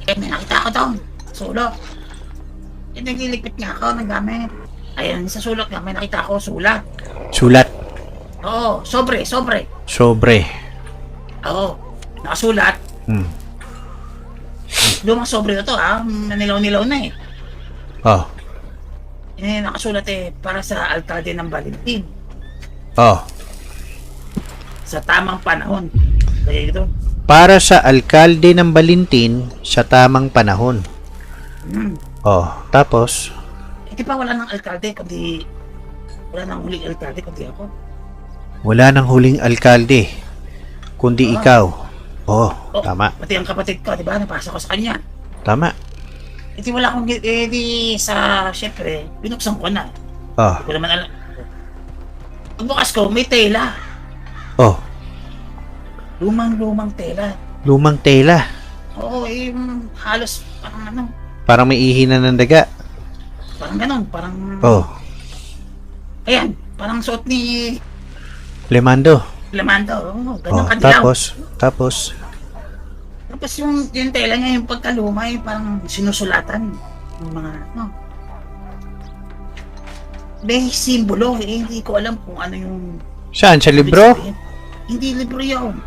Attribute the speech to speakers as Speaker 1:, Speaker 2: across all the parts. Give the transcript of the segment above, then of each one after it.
Speaker 1: may nakita ko doon. Sulok. Nagliligpit nga ako ng gamit. Ayun, sa sulok nga, may nakita ko sulat.
Speaker 2: Sulat.
Speaker 1: Oo, sobre.
Speaker 2: Sobre.
Speaker 1: Oo, nakasulat. Lumang sobre na to nanilaw-nilaw na eh.
Speaker 2: Oh.
Speaker 1: Nakasulat para sa alkalde ng Valentin.
Speaker 2: Oh.
Speaker 1: Sa tamang panahon. Kaya ito.
Speaker 2: Para sa alkalde ng Valentin sa tamang panahon. Oh, tapos?
Speaker 1: Di ba wala nang alkalde kundi... Wala nang huling alkalde kundi ako.
Speaker 2: Wala nang huling alkalde kundi ikaw. Oh, tama.
Speaker 1: Pati ang kapatid ko, di ba? Napasa ko sa kanya.
Speaker 2: Tama.
Speaker 1: Di wala akong... Siyempre, binuksan ko na.
Speaker 2: Oh.
Speaker 1: Hindi ko naman alam. Pagbukas ko, may tela.
Speaker 2: Oh.
Speaker 1: Lumang tela.
Speaker 2: Lumang tela.
Speaker 1: Oo, halos parang
Speaker 2: Parang may ihina ng daga.
Speaker 1: Parang ganon, parang...
Speaker 2: Oh.
Speaker 1: Ayan, parang suot ni...
Speaker 2: Lemando.
Speaker 1: Oo, ganyan kadilaw.
Speaker 2: Tapos
Speaker 1: Tapos yung tela niya, yung pagkaluma, parang sinusulatan. Yung mga, may simbolo, hindi ko alam kung ano yung...
Speaker 2: Saan? Sa libro?
Speaker 1: Hindi libro yun.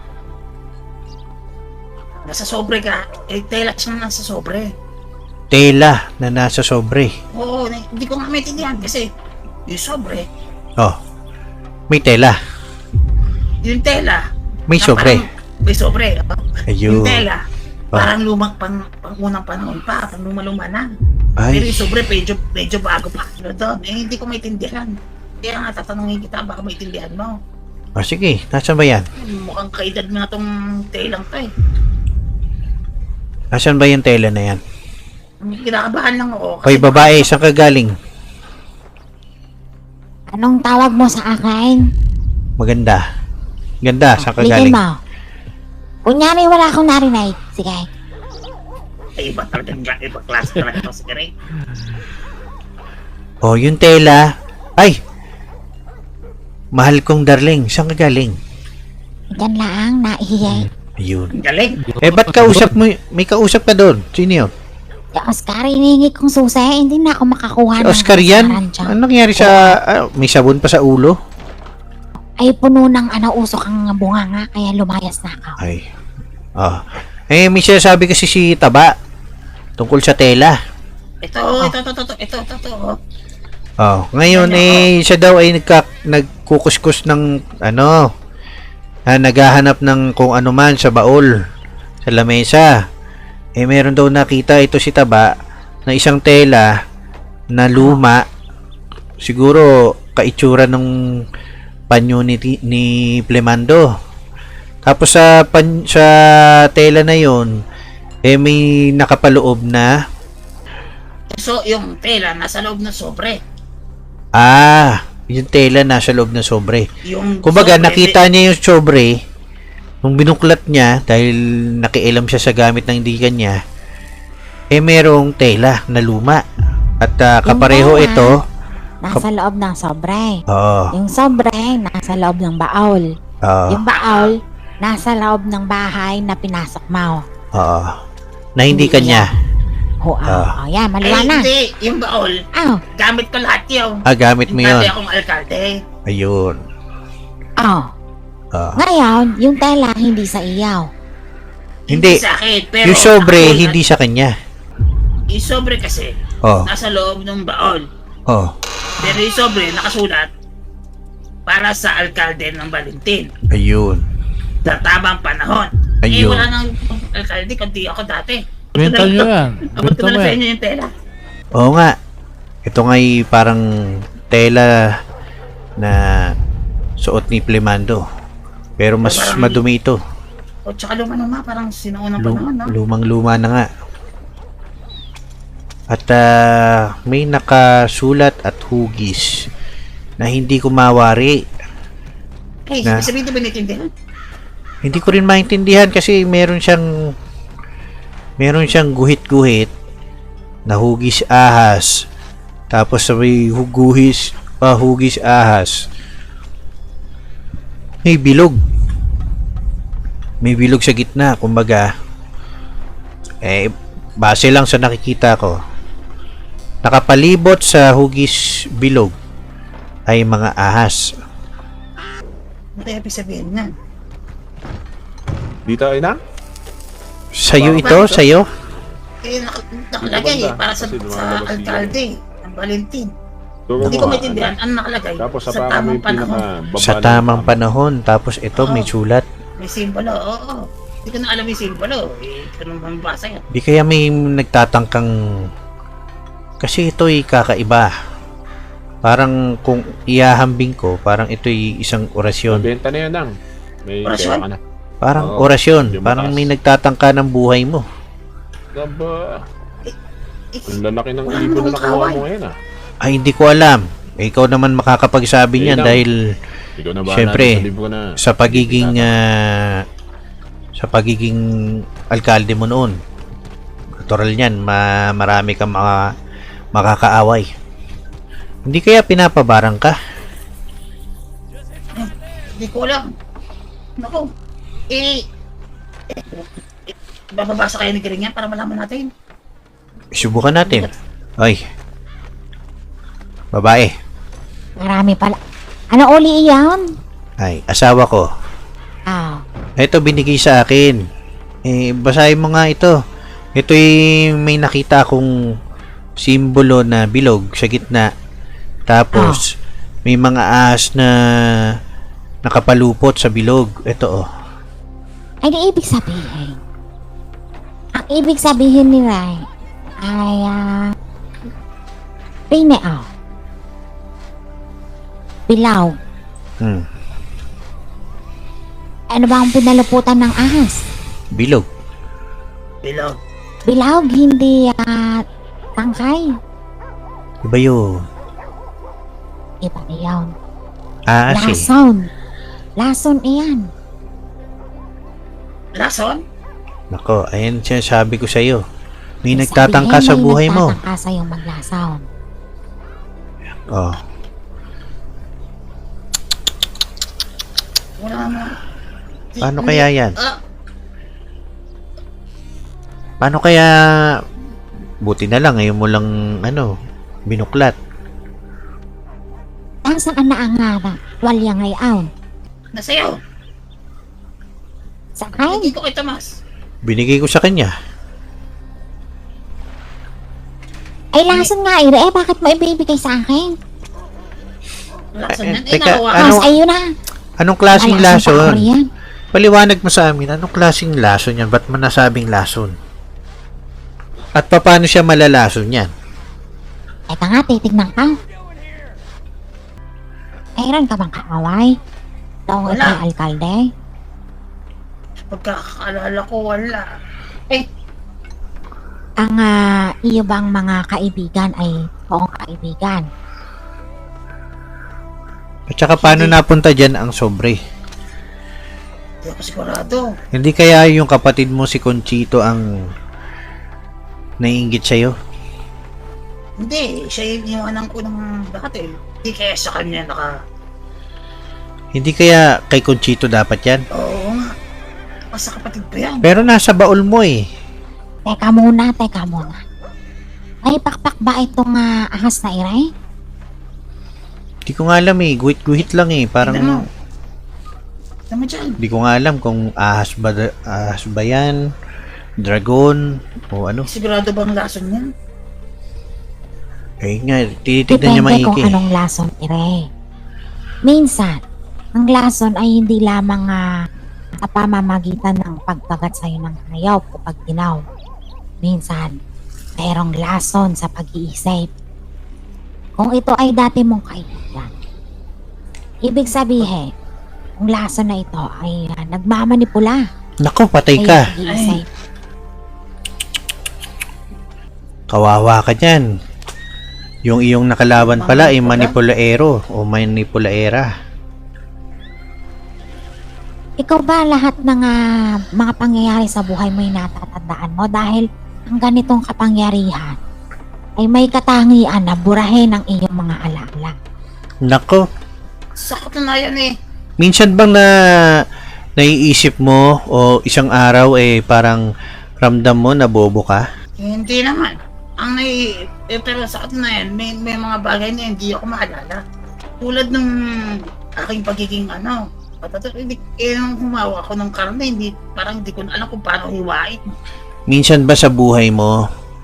Speaker 1: Nasa sobre ka, tela siya nasa sobre.
Speaker 2: Tela na nasa sobre.
Speaker 1: Oo, hindi ko nga maintindihan kasi yung sobre.
Speaker 2: Oh. May tela.
Speaker 1: Yung tela.
Speaker 2: May sobre.
Speaker 1: May sobre.
Speaker 2: Ayun.
Speaker 1: Yung tela. Parang lumang pang unang panahon pa. Pang luma na.
Speaker 2: Ay.
Speaker 1: Pero yung sobre medyo bago pa. Pero doon, hindi ko maintindihan. Kaya nga tatanungin kita, baka maintindihan mo.
Speaker 2: Oh, sige. Nasaan ba yan?
Speaker 1: Mukhang kaedad mo na tong telang to eh.
Speaker 2: Nasaan ba yung tela na yan?
Speaker 1: Kinakabahan lang ako.
Speaker 2: Hoy, babae. Saan ka galing?
Speaker 3: Anong tawag mo sa akin?
Speaker 2: Maganda. Ganda. Saan ka
Speaker 3: Ligin
Speaker 2: galing?
Speaker 3: mo. Kunyari wala akong narinig. Sige.
Speaker 1: Ay, iba talagang ibang klase talaga ito si Gary.
Speaker 2: Oh, yung tela. Ay! Mahal kong darling. Saan ka galing?
Speaker 3: Yan lang, naihiyay.
Speaker 2: Ayun.
Speaker 1: Galing.
Speaker 2: Ba't kausap mo? May kausap ka doon. Sino yun?
Speaker 3: Si Oscar, hinihingi kong susi. Hindi na ako makakuha ng
Speaker 2: Oscar yan?
Speaker 3: kasaran siya.
Speaker 2: Ano nangyari sa... may sabon pa sa ulo?
Speaker 3: Ay, puno ng usok ang bunganga. Kaya lumayas na ako.
Speaker 2: Ay. Ah. May sinasabi kasi si Taba tungkol sa tela.
Speaker 1: Ito.
Speaker 2: Oh, ngayon siya daw ay nagkukuskus ng naghahanap ng kung ano man sa baol, sa lamesa. Meron daw nakita ito si Taba na isang tela na luma, siguro kaitsura ng panyo ni Plemando. Tapos sa tela na yon may nakapaloob na
Speaker 1: So, yung tela nasa loob ng sobre.
Speaker 2: yung tela nasa loob ng sobre. Kumbaga,
Speaker 1: sobre,
Speaker 2: nakita niya yung sobre nung binuklat niya dahil nakialam siya sa gamit ng indigan niya. Merong tela na luma. At kapareho
Speaker 3: tela,
Speaker 2: ito.
Speaker 3: Nasa loob ng sobre.
Speaker 2: Oo.
Speaker 3: Yung sobre, nasa loob ng baol.
Speaker 2: Oo.
Speaker 3: Yung baol, nasa loob ng bahay na pinasok mo.
Speaker 2: Oo. Na hindi kanya.
Speaker 3: Yan, maliwanag.
Speaker 1: Hindi, yung baol. Gamit ko lahat yun.
Speaker 2: Gamit mo yun.
Speaker 1: Dati akong alkalde.
Speaker 2: Ayun.
Speaker 3: Ngayon, yung tela hindi sa iyaw.
Speaker 2: Hindi.
Speaker 1: Sa akin, pero
Speaker 2: Yung sobre,
Speaker 1: ako,
Speaker 2: hindi sa kanya.
Speaker 1: Yung sobre kasi, nasa loob ng baol. Pero yung sobre, nakasulat para sa alkalde ng Valentin.
Speaker 2: Ayun.
Speaker 1: Sa tamang panahon.
Speaker 2: Ayun.
Speaker 1: Wala nang alkalde, kundi ako dati.
Speaker 4: Benta nyo yan.
Speaker 1: Abot ko
Speaker 4: Benta
Speaker 1: na
Speaker 4: mo
Speaker 1: sa
Speaker 4: yan.
Speaker 1: inyo yung tela.
Speaker 2: Oo nga. Ito nga'y parang tela na suot ni Plemando. Pero mas
Speaker 1: Parang-
Speaker 2: madumi ito.
Speaker 1: O tsaka luma, parang sinuunang panahon, no?
Speaker 2: Lumang-luma na nga. At may nakasulat at hugis na hindi ko mawari.
Speaker 1: Eh,
Speaker 2: Na-
Speaker 1: sabihin ito ba natindihan?
Speaker 2: Hindi ko rin maintindihan kasi meron siyang guhit-guhit na hugis ahas. Tapos may hugis ahas. May bilog. May bilog sa gitna, kumbaga base lang sa nakikita ko, nakapalibot sa hugis bilog ay mga ahas.
Speaker 1: Ano kaya ibig sabihin niyan?
Speaker 4: Dito ay na?
Speaker 2: Sa'yo ito? Sa'yo?
Speaker 1: Eh, nakalagay
Speaker 4: Banda,
Speaker 1: para sa
Speaker 4: kasi lumalabas dito.
Speaker 1: alkalde ng Valentin.
Speaker 4: So,
Speaker 1: Hindi ko maintindihan ano nakalagay
Speaker 4: Tapos sa
Speaker 1: sa
Speaker 4: parang may
Speaker 1: tamang panahon.
Speaker 4: pinaka
Speaker 2: Sa tamang panahon. Tapos ito, may sulat.
Speaker 1: May simbolo, oo. Hindi ko na alam yung simbolo. Eh, ganun ba mabasa yan?
Speaker 2: Di kaya may nagtatangkang... Kasi ito'y kakaiba. Parang kung iahambing ko, parang ito'y isang orasyon.
Speaker 4: Benta na yan lang. May
Speaker 1: Orasyon?
Speaker 4: pera ka na.
Speaker 2: Parang
Speaker 4: Oo,
Speaker 2: orasyon.
Speaker 4: yung
Speaker 2: Parang
Speaker 4: mataas.
Speaker 2: may nagtatangka ng buhay mo.
Speaker 4: Aba,
Speaker 1: Eh,
Speaker 4: ang lalaki ng
Speaker 1: Wala
Speaker 4: ibon na
Speaker 1: namang
Speaker 4: nakuha
Speaker 1: kawan.
Speaker 4: mo ngayon ah.
Speaker 2: Ay, hindi ko alam. Ikaw naman makakapagsabi
Speaker 4: Eh,
Speaker 2: niyan
Speaker 4: lang.
Speaker 2: dahil
Speaker 4: Ikaw na ba
Speaker 2: Siyempre,
Speaker 4: sa libro na?
Speaker 2: sa pagiging alkalde mo noon. Natural niyan, marami kang makakaaway. Hindi kaya pinapabarang ka?
Speaker 1: Hindi ko alam. Naku. Bababasa kayo ni Gering yan para malaman natin.
Speaker 2: Subukan natin. Ay. Babae.
Speaker 3: Marami pala. Ano uli iyan?
Speaker 2: Ay, asawa ko.
Speaker 3: Ah,
Speaker 2: Ito binigay sa akin. Basahin mo nga ito. Ito'y may nakita akong simbolo na bilog sa gitna. Tapos, may mga ahas na nakapalupot sa bilog. Ito oh.
Speaker 3: ay di ibig sabihin. Ang ibig sabihin nila ay, pineo. Bilaw.
Speaker 2: Hmm.
Speaker 3: Ano ba ang pinaluputan ng ahas?
Speaker 2: Bilog.
Speaker 1: Bilog.
Speaker 3: Bilawg, hindi tangkay.
Speaker 2: Iba yun.
Speaker 3: Iba na yun.
Speaker 2: Ahas eh.
Speaker 3: Lason. Lason iyan.
Speaker 1: Lason?
Speaker 2: Nako, ayan sinasabi ko sa'yo. May
Speaker 3: Ibig
Speaker 2: nagtatangka
Speaker 3: sabihin,
Speaker 2: sa
Speaker 3: may
Speaker 2: buhay mo.
Speaker 3: nagtatangka sa'yo maglason.
Speaker 2: Oh.
Speaker 1: Wala mo.
Speaker 2: Paano kaya yan?
Speaker 1: Ah,
Speaker 2: Paano kaya... Buti na lang, ngayon mo lang, binuklat.
Speaker 3: Nasaan na ang walya ngayon?
Speaker 1: nasayaw.
Speaker 3: Sa akin?
Speaker 1: Hindi ko kay Tomas.
Speaker 2: Binigay ko sa kanya.
Speaker 3: Ay, lason nga, Ire. Bakit mo ibibigay sa akin?
Speaker 1: Lason yan.
Speaker 2: Teka,
Speaker 1: nakuha.
Speaker 2: ano?
Speaker 3: Mas ayun na.
Speaker 2: Anong klaseng
Speaker 3: Malason pa
Speaker 2: lason?
Speaker 3: ako riyan.
Speaker 2: Paliwanag mo sa amin, anong klaseng lason yan? Ba't mo nasabing lason? At paano siya malalason yan?
Speaker 3: Teka nga, titignan ka. Mayroon ka bang kaaway? Taong
Speaker 1: Wala.
Speaker 3: ito alkalde?
Speaker 1: Pagkakaalala ko, wala. Eh,
Speaker 3: Ang iyo bang mga kaibigan ay toong kaibigan?
Speaker 2: At saka paano napunta dyan ang sobre?
Speaker 1: hindi ako sigurado.
Speaker 2: Hindi kaya yung kapatid mo si Conchito ang naiinggit sa'yo?
Speaker 1: Hindi, siya yung anak ko ng dati. Hindi kaya sa kanya
Speaker 2: Hindi kaya kay Conchito dapat yan?
Speaker 1: Oo nga. Basta kapatid ko yan.
Speaker 2: Pero nasa baul mo eh.
Speaker 3: Teka muna. May pakpak ba itong ahas na Ire?
Speaker 2: Di ko nga alam eh. Guhit-guhit lang eh. Parang...
Speaker 1: Tignan mo. Tama dyan.
Speaker 2: Di ko nga alam kung ahas ba yan, dragon, o ano.
Speaker 1: Sigurado bang lason yan?
Speaker 2: Eh nga, tinitignan niya
Speaker 3: Depende kung
Speaker 2: maiki.
Speaker 3: anong lason, Ire. Minsan, ang lason ay hindi lamang sa pamamagitan ng pagkagat sa'yo ng hayop o pagtinaw. Minsan, mayroong lason sa pag-iisip. Kung ito ay dati mong kaibigan, ibig sabihin, ang lason na ito ay nagmamanipula
Speaker 2: Nako, patay
Speaker 3: sa
Speaker 2: ka.
Speaker 3: iyong pag-iisip.
Speaker 2: Kawawa ka dyan. Yung iyong nakalaban pala ay manipulaero o manipulaera.
Speaker 3: Ikaw ba lahat ng mga pangyayari sa buhay mo ay natatandaan mo dahil ang ganitong kapangyarihan ay may katangian na burahin ang iyong mga alaala.
Speaker 2: Nako,
Speaker 1: Sakot na yan eh.
Speaker 2: minsan bang naiisip mo o isang araw eh parang ramdam mo na bobo ka?
Speaker 1: Hindi naman. Pero sa atin na yan, may mga bagay na hindi ako maalala. Tulad nung aking pagiging nung humawa ako ng karne, parang hindi ko na alam kung paano hiwain.
Speaker 2: Minsan ba sa buhay mo,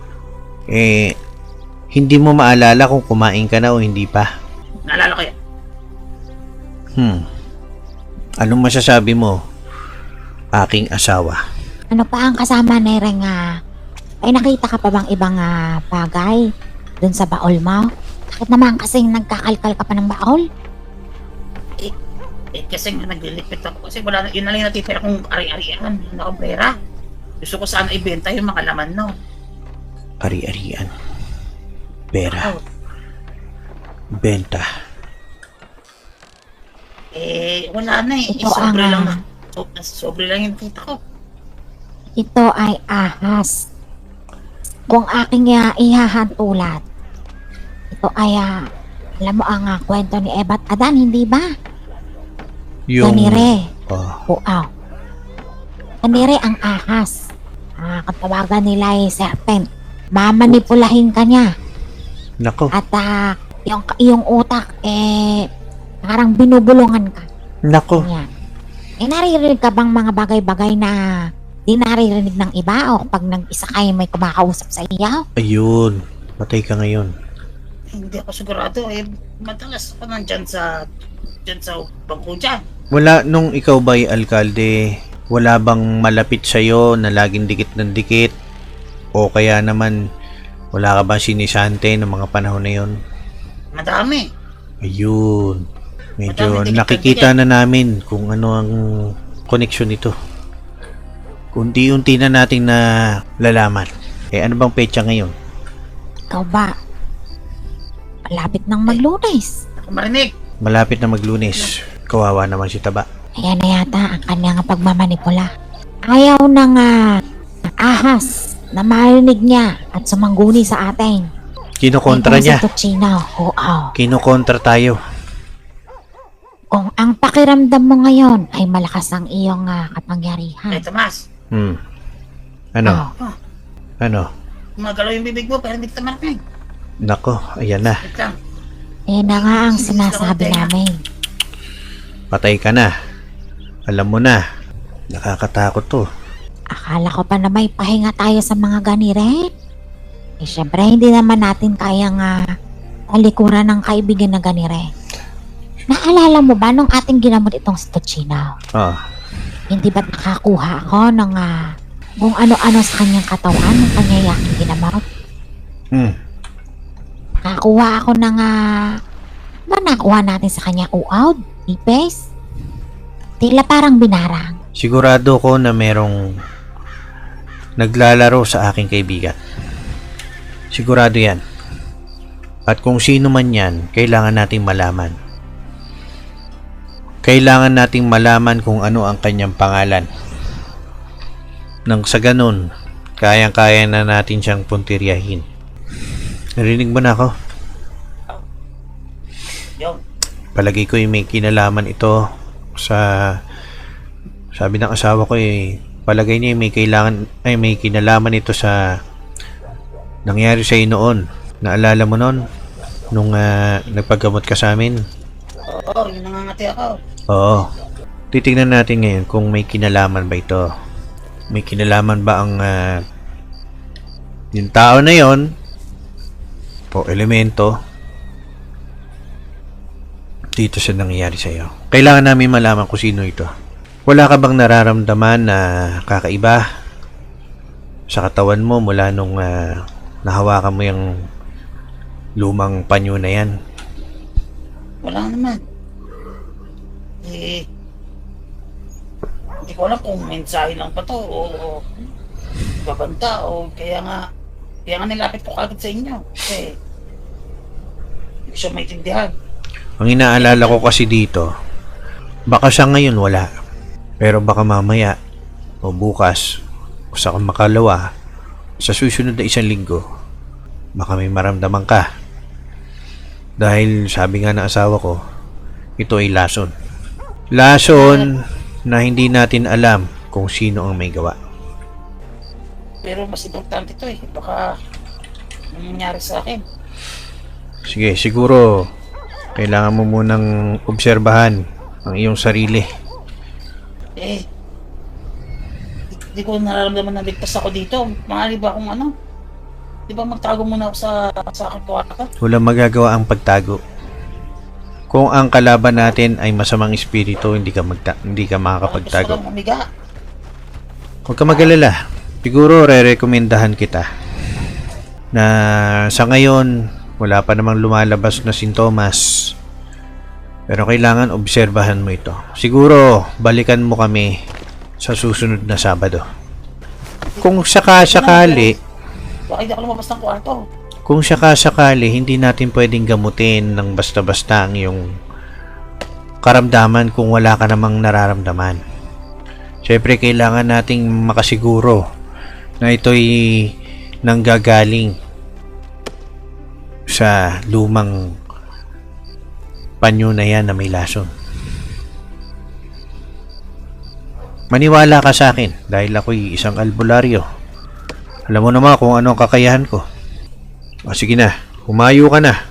Speaker 2: hindi mo maalala kung kumain ka na o hindi pa?
Speaker 1: Naalala ko yan.
Speaker 2: Anong masasabi mo, aking asawa?
Speaker 3: Ano pa ang kasama ni Reng ay nakita ka pa bang ibang bagay dun sa baol mo? Bakit naman kasing nagkakalkal ka pa ng baol?
Speaker 1: Kasi nga naglilipit ako. Kasi yun na lang yung natitira kong ari-arian. Nakabrera. Gusto ko sana ibenta yung mga laman, no?
Speaker 2: Ari-arian. Pera. Benta.
Speaker 1: Wala na eh.
Speaker 3: Ito
Speaker 1: Sobre lang yung kita ko.
Speaker 3: Ito ay ahas. Kung aking ihahantulat, ito ay, alam mo ang kwento ni Eva at Adan, hindi ba? Kanire. Wow. Kanire ang ahas. Katawagan nila ay serpent. Mamanipulahin ka niya.
Speaker 2: Nako.
Speaker 3: At yung utak, parang binubulungan ka.
Speaker 2: Nako.
Speaker 3: Yan. Naririnig ka bang mga bagay-bagay na di naririnig ng iba o pag nag-isa kayo may kumakausap sa iyo?
Speaker 2: Ayun. Patay ka ngayon.
Speaker 1: Hindi ako sigurado madalas ako nandyan sa bangko dyan.
Speaker 2: Wala, nung ikaw ba'y alkalde, wala bang malapit sa'yo na laging dikit ng dikit? O kaya naman, wala ka ba sinisante ng mga panahon na yon?
Speaker 1: Madami.
Speaker 2: Ayun. Medyo
Speaker 1: Madami
Speaker 2: nakikita na namin kung ano ang koneksyon nito. Unti-unti na nating na lalaman. Ano bang petsa ngayon?
Speaker 3: Ikaw ba? Malapit nang maglunes.
Speaker 1: Ako marinig.
Speaker 2: Malapit na maglunes. Kawawa naman si Taba.
Speaker 3: Ayan na yata ang kanyang pagmamanipula. Ayaw ng ahas na marinig niya at sumangguni sa atin.
Speaker 2: Kinokontra niya.
Speaker 3: Si Tuchino.
Speaker 2: Kinokontra tayo.
Speaker 3: Kung ang pakiramdam mo ngayon ay malakas ang iyong kapangyarihan.
Speaker 1: Tomas.
Speaker 2: Ano? Ano?
Speaker 1: Magalaw yung bibig mo pero hindi kita marinig.
Speaker 2: Nako, ayan na.
Speaker 1: Wait lang.
Speaker 3: Na nga ang sinasabi namin.
Speaker 2: Patay ka na. Alam mo na. Nakakatakot to.
Speaker 3: Akala ko pa na may pahinga tayo sa mga ganire. Syempre, hindi naman natin kayang talikuran ng kaibigan na ganire. Naalala mo ba nung ating ginamot itong si Tuchino? Hindi ba't nakakuha ako ng kung ano-ano sa kanyang katawan ng kanyang yaking ginamot? Nakakuha ako ng ba nakuha natin sa kanya uawd? Ipes? Tila parang binarang.
Speaker 2: Sigurado ko na merong naglalaro sa aking kaibigan. Sigurado yan. At kung sino man yan, kailangan nating malaman. Kailangan nating malaman kung ano ang kanyang pangalan. Nang sa ganun, kayang-kaya na natin siyang puntiryahin. Narinig mo na ako?
Speaker 1: Yo.
Speaker 2: Palagi ko may kinalaman ito sa... Sabi ng asawa ko palagay niya may kinalaman ito sa nangyari sa iyo noon. Naalala mo noon? Nung nagpaggamot ka sa amin?
Speaker 1: Oo, yung nangangati ako.
Speaker 2: Oo. Titingnan natin ngayon kung may kinalaman ba ito. May kinalaman ba ang yung tao na yon o elemento dito sa nangyayari sa iyo. Kailangan namin malaman kung sino ito. Wala ka bang nararamdaman na kakaiba sa katawan mo mula nung nahawakan mo yung lumang panyo na yan?
Speaker 1: Wala naman. Hindi ko alam kung mensahe lang pa to o babanta o kaya nga nilapit ko kagad sa inyo kasi hindi ko siya maintindihan.
Speaker 2: Ang inaalala ko kasi dito, baka sa ngayon wala, pero baka mamaya o bukas o sa makalawa sa susunod na 1 linggo baka may maramdaman ka dahil sabi nga ng asawa ko, ito ay lason na hindi natin alam kung sino ang may gawa.
Speaker 1: Pero mas importante to eh. Baka nangyari sa akin.
Speaker 2: Sige, siguro kailangan mo munang obserbahan ang iyong sarili.
Speaker 1: Eh, di ko nararamdaman na ligtas ako dito. Maaari ba akong ano? Di ba magtago muna ako sa aking kwarto?
Speaker 2: Walang magagawa ang pagtago. Kung ang kalaban natin ay masamang espiritu, hindi ka
Speaker 1: Gusto ko
Speaker 2: makakapagtago.
Speaker 1: lang umiga.
Speaker 2: Huwag ka mag-alala. Siguro re-recomendahan kita na sa ngayon wala pa namang lumalabas na sintomas. Pero kailangan obserbahan mo ito. Siguro balikan mo kami sa susunod na Sabado. Kung sakasakali,
Speaker 1: Bakit di ako lumabas ng kwarto?
Speaker 2: kung sakasakali hindi natin pwedeng gamutin ng basta-basta ang iyong karamdaman kung wala ka namang nararamdaman. Siyempre kailangan nating makasiguro na ito'y nanggagaling sa lumang panyo na yan na may lason. Maniwala ka sa akin dahil ako'y isang albularyo. Alam mo naman kung ano ang kakayahan ko. O sige na, humayo ka na.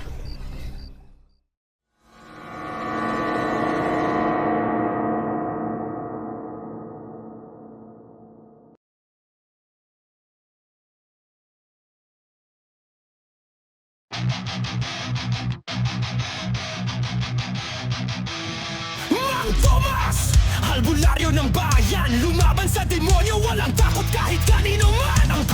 Speaker 5: Mang Tomas! Albularyo ng bayan, lumaban sa demonyo, walang takot kahit kanino man.